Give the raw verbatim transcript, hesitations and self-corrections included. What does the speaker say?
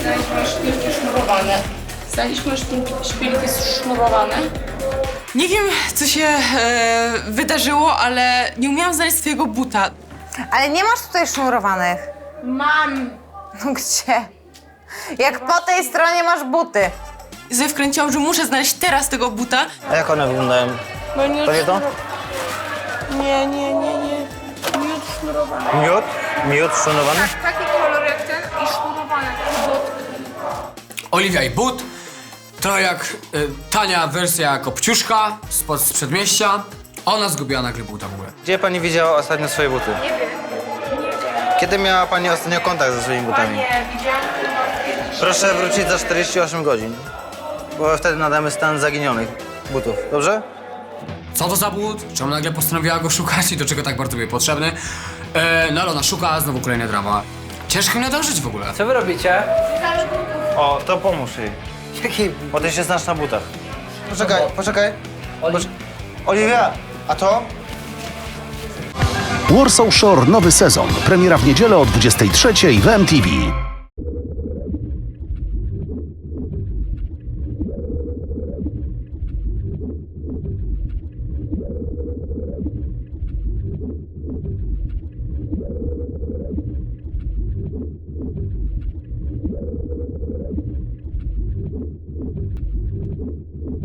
Znaleźliśmy szpilki sznurowane. Znaleźliśmy szpilki, szpilki sznurowane. Nie wiem, co się e, wydarzyło, ale nie umiałam znaleźć swojego buta. Ale nie masz tutaj sznurowanych. Mam. No gdzie? Jak po tej stronie masz buty. I sobie wkręciłam, że muszę znaleźć teraz tego buta. A jak one wyglądają? Bo nie To nie to? Nie, nie, nie, nie. Miód sznurowany. Miód? Miód szanowany? Tak, taki kolor jak ten i sznurowane. Oliwia i but. Trochę jak y, tania wersja Kopciuszka spod z przedmieścia. Ona zgubiła nagle buta w ogóle. Gdzie pani widziała ostatnio swoje buty? Nie wiem. Nie wiem. Kiedy miała pani ostatnio kontakt ze swoimi butami? Nie, widziałam chyba kiedyś. Proszę wrócić za czterdzieści osiem godzin, bo wtedy nadamy stan zaginionych butów, dobrze? Co to za but? Czemu nagle postanowiła go szukać i do czego tak bardzo był potrzebny? E, no ale ona szuka, znowu kolejna drama. Ciężko mi nadążyć w ogóle. Co wy robicie? O, to pomóż jej. Jaki... Bo ty się znasz na butach. Poczekaj, poczekaj. Poczek- Oliwia, a to? Warsaw Shore nowy sezon. Premiera w niedzielę o dwudziestej trzeciej w M T V.